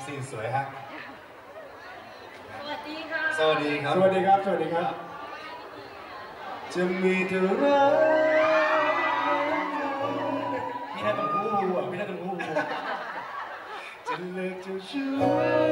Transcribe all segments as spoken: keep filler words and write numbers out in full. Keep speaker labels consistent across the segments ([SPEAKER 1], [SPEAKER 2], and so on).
[SPEAKER 1] ซีนสวยฮะ
[SPEAKER 2] สวัสดีค่ะ
[SPEAKER 1] สวัสดีครับ
[SPEAKER 3] สวัสดีครับสวัสดีครับจะมีเธอรักพี่ได้ตรงหูอ่ะพี่ได้ตรงหูจะเลิกจะชู้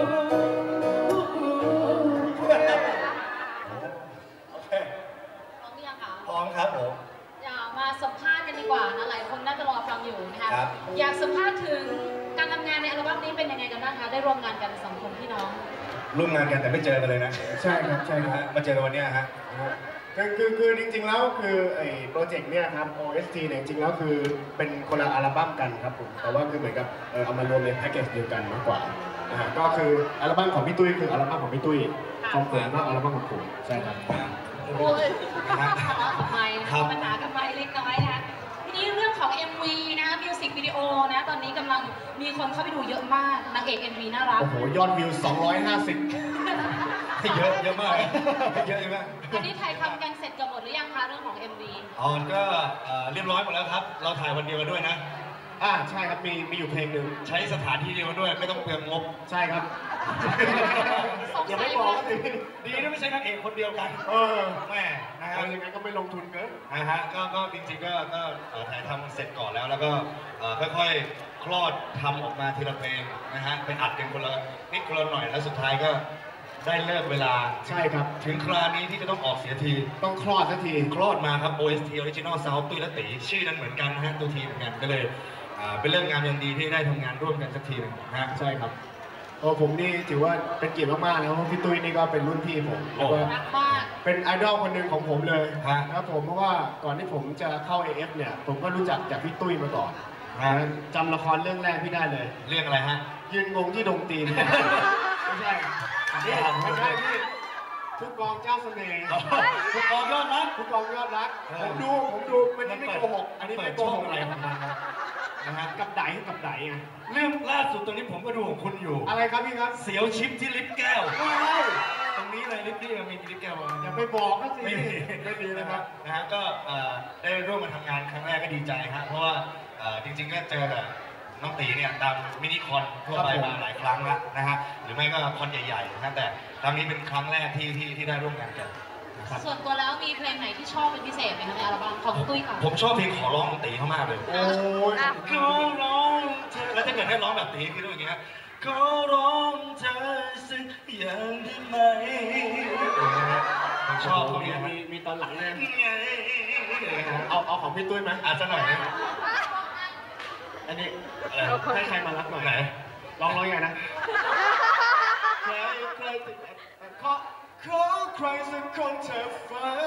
[SPEAKER 3] โอเค
[SPEAKER 2] พร้อมหรือยังคะ
[SPEAKER 1] พร้อมครับผม
[SPEAKER 2] อยากมาสัมภาษณ์กันดีกว่านะหลายคนน่าจะรอฟังอยู่นะคะ
[SPEAKER 1] ครับ
[SPEAKER 2] อยากสัมภาษณ์ถึงการทำงานในอัลบั้มนี้เป็นยังไงกันบ้างคะได้ร่วมงานกันสองคนพี่น้อง
[SPEAKER 1] ร่วมงานกันแต่ไม่เจอกันเลยนะ
[SPEAKER 3] ใช่ครับใช่ครับ
[SPEAKER 1] มาเจอกันวันนี้ฮะ
[SPEAKER 3] คือคือคือจริงๆแล้วคือไอ้โปรเจกต์เนี่ยครับ โอ เอส ที เนี่ยจริงๆแล้วคือเป็นคนละอัลบั้มกันครับผมแต่ว่าคือเหมือนกับเออเอามารวมในแพ็กเกจเดียวกันมากกว่าอ่าก็คืออัลบั้มของพี่ตุ้ยคืออัลบั้มของพี่ตุ้ยของผมก็อัลบั้มของผมใช่ครับ
[SPEAKER 2] โอ้ยทะเลาะกับไมค์นะคะปัญหากับไมค์เล็กน้อยนะคะทีนี้เรื่องของ เอ็ม วี นะคะมิวสิกวิดีโอนะตอนนี้กำลังมีคนเข้าไปดูเยอะมากนางเอก เอ็ม วี น่ารัก
[SPEAKER 3] โอ้โหยอดวิวสองร้อยห้าสิบ
[SPEAKER 1] เยอะเยอะมากเยอะมาก
[SPEAKER 2] อันนี้ถ่ายทำกันเสร็จกันหมดหรือยังคะเรื่องของ เอ็ม วี
[SPEAKER 1] อ๋อก็เรียบร้อยหมดแล้วครับเราถ่ายวันเดียวกันด้วยนะ
[SPEAKER 3] อ่าใช่ครับมีมีอยู่เพลงหนึ่ง
[SPEAKER 1] ใช้สถานที่เดียวกันด้วยไม่ต้องเปลืองงบ
[SPEAKER 3] ใช่ครับ
[SPEAKER 2] อย่า
[SPEAKER 3] ไม่บอก
[SPEAKER 1] ดีนะไม่ใช่นางเอกคนเดียวกัน
[SPEAKER 3] เออ
[SPEAKER 1] แม่นะครับ
[SPEAKER 3] ยังไงก็ไม่ลงทุนเกิน
[SPEAKER 1] นะฮะก็ก็จริงๆก็ก็ถ่ายทำเสร็จก่อนแล้วแล้วก็ค่อยๆคลอดทำออกมาทีละเพลงนะฮะไปอัดกันคนละนิดคนละหน่อยแล้วสุดท้ายก็ได้เลิกเวลา
[SPEAKER 3] ใช่ครับ
[SPEAKER 1] ถึงครานี้ที่จะต้องออกเสียที
[SPEAKER 3] ต้องคลอดสักที
[SPEAKER 1] คลอดมาครับ โอ เอส ที Original Sound ตุ้ยและตีชื่อนั้นเหมือนกันนะฮะตัวทีเหมือนกันก็เลยเป็นเรื่องงามยันดีที่ได้ทำงานร่วมกันสักทีนึงนะฮะ
[SPEAKER 3] ใช่ครับโอ้ผมนี่ถือว่าเป็นเกียรติมากๆนะเพราะพี่ตุ้ยนี่ก็เป็นรุ่นพี่ผมแล้วก็เป็นไอดอลคนหนึ่งของผมเลยครับผมเพราะว่าก่อนที่ผมจะเข้า เอ เอฟ เนี่ยผมก็รู้จักจากพี่ตุ้ยมาก่อนจำละครเรื่องแรกพี่ได้เลย
[SPEAKER 1] เรื่องอะไรฮะ
[SPEAKER 3] ยืนงงที่ดงตีนไม่ใช่นี่ไม่ใช่พี่ทุกกองเจ้าเสน่ห์
[SPEAKER 1] ทุกกองยอดรัก
[SPEAKER 3] ทุกกองยอดรักผมดูผมดูมันนี่ไม่โกหกอันนี้ไม่โกหกอะไรของมันนะฮะกับไดกับได
[SPEAKER 1] เรื่องล่าสุดตรงนี้ผมก็ดูของคุณอยู่
[SPEAKER 3] อะไรครับพี่ครับ
[SPEAKER 1] เสียวชิปที่ลิฟต์แก้วตรงนี้เลยลิฟต์นี่มันมีลิฟต์แก้ว
[SPEAKER 3] อย่าไปบอกนะสิไม่ดีนะครับ
[SPEAKER 1] นะฮะก็ได้ร่วมมาทำงานครั้งแรกก็ดีใจฮะเพราะว่าจริงๆก็เจอแบบน้องตีเนี่ยตามมินิคอนทั่วไปมาหลายครั้งแล้วนะฮะหรือไม่ก็คอนใหญ่ๆนะแต่ครั้งนี้เป็นครั้งแรกที่ที่ที่ได้ร่วมงานกัน
[SPEAKER 2] ส่วนตัวแล้วมีเพลงไหนที่ชอบเป็นพิเศษไหมคะในอัลบั้มของตุ้ยค่ะ
[SPEAKER 1] ผมชอบเพลงขอร้องของตีเขามากเลย
[SPEAKER 3] โอ้ย
[SPEAKER 1] ขอร้องเธอแล้วถ้าเกิดให้ร้องแบบตีคือต้องอย่างเงี้ยขอร้องเธอสักอย่างได้ไหมผมชอบตรงนี้
[SPEAKER 3] มีมีตอนหลังเนี่ยเอาเอาของพี่ตุ้ยไหม
[SPEAKER 1] อาจจะหน่อย
[SPEAKER 3] อันนี้ให้ใครมารับหน่อย
[SPEAKER 1] ไหน
[SPEAKER 3] ร้องร้องยังไงนะใครใครติดขอขอใครสักคนเธอฟ้า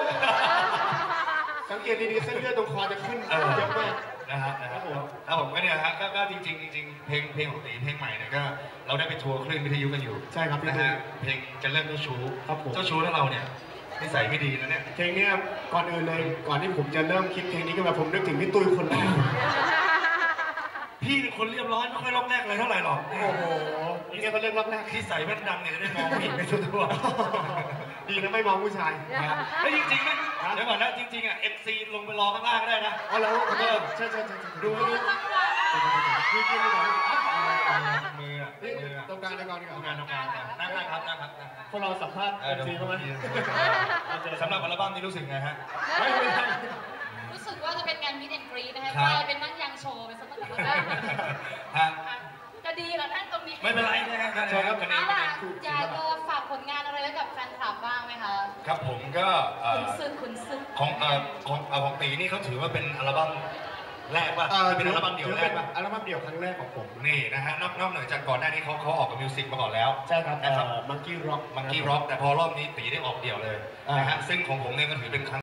[SPEAKER 3] สังเกตดีๆเส้นเลือดตรงคอจะขึ้นเยอะมาก
[SPEAKER 1] นะฮะนะครับผมครับผมก็เนี่ยฮะก็จริงๆจริงๆเพลงเพลงของตีเพลงใหม่เนี่ยก็เราได้ไปทัวร์คลื่นวิทยุกันอยู่
[SPEAKER 3] ใช่ครับ
[SPEAKER 1] นะฮะเพลงจะเริ่มเจ้าชู้เจ้าชู้แล้วเราเนี่ยนิสัยไม่ดีนะเนี่ย
[SPEAKER 3] เพลงนี้ก่อนอื่นเลยก่อนที่ผมจะเริ่มคิดเพลงนี้ขึ้นมาผมนึกถึงพี่ตุ้ยคนแรก
[SPEAKER 1] พี่เป็นคนเรียบร้อยไม่ค่อยล็อกแรกเลยเท่าไหร่หรอก
[SPEAKER 3] โอ้โหนี่แกเป็นเรื่องล็อกแรก
[SPEAKER 1] ที่ใส่แว่นดำเนี่ยจะได้มองผู้หญิงไปทั่ว
[SPEAKER 3] ๆดีนะไม่มองผู้ชาย
[SPEAKER 1] แล้วจริงๆนะเดี๋ยวก่อนนะจริงๆอ่ะ เอ็ม ซี ลงไปรอข้างล่างก็ได้นะ
[SPEAKER 3] อ๋อแล้ว
[SPEAKER 1] เออ
[SPEAKER 3] ใช่ใช่ใช่
[SPEAKER 1] ดูดู
[SPEAKER 3] คือคือมือ
[SPEAKER 1] มือมือ
[SPEAKER 3] ตรงกลางตรงกลาง
[SPEAKER 1] ตรงกลางตรงกลางนั่งนั่งครับนั่งครับ
[SPEAKER 3] พวกเราสัมภาษณ์ เอ็ม ซี เข้ามา
[SPEAKER 1] สำหรับอัลบั้มนี้รู้สึกไงฮะ
[SPEAKER 2] รู้สึกว่าจะเป็นงานมิดแอนด์กรีดนะคะกลายเป็นนั่งยังโชว์เป็นสมัครจะดีเหรอท่านตรงนี้
[SPEAKER 1] ไม่เป็นไรนะฮะใช่ครับกันเอง
[SPEAKER 2] อยากจะฝากผลงานอะไรไว้กับแฟนคลับบ้างไหมคะ
[SPEAKER 1] ครับผมก็
[SPEAKER 2] คุณซึกคุณซึก
[SPEAKER 1] ของของของตีนี่เขาถือว่าเป็นอัลบั้มแรกป่ะเป็นอัลบั้มเดี่ยวแรกป่ะ
[SPEAKER 3] อัลบั้มเดี่ยวครั้งแรกของผม
[SPEAKER 1] นี่นะฮะนอกนอกเหนือจากก่อนหน้านี้เขาเขาออกกับมิวสิกมาก่อนแล้ว
[SPEAKER 3] ใช่ครับนะครับมังกี้ร็อก
[SPEAKER 1] มังกี้ร็อกแต่พอรอบนี้ตีได้ออกเดี่ยวเลยนะฮะซึ่งของผมเนี่ยก็ถือเป็นครั้ง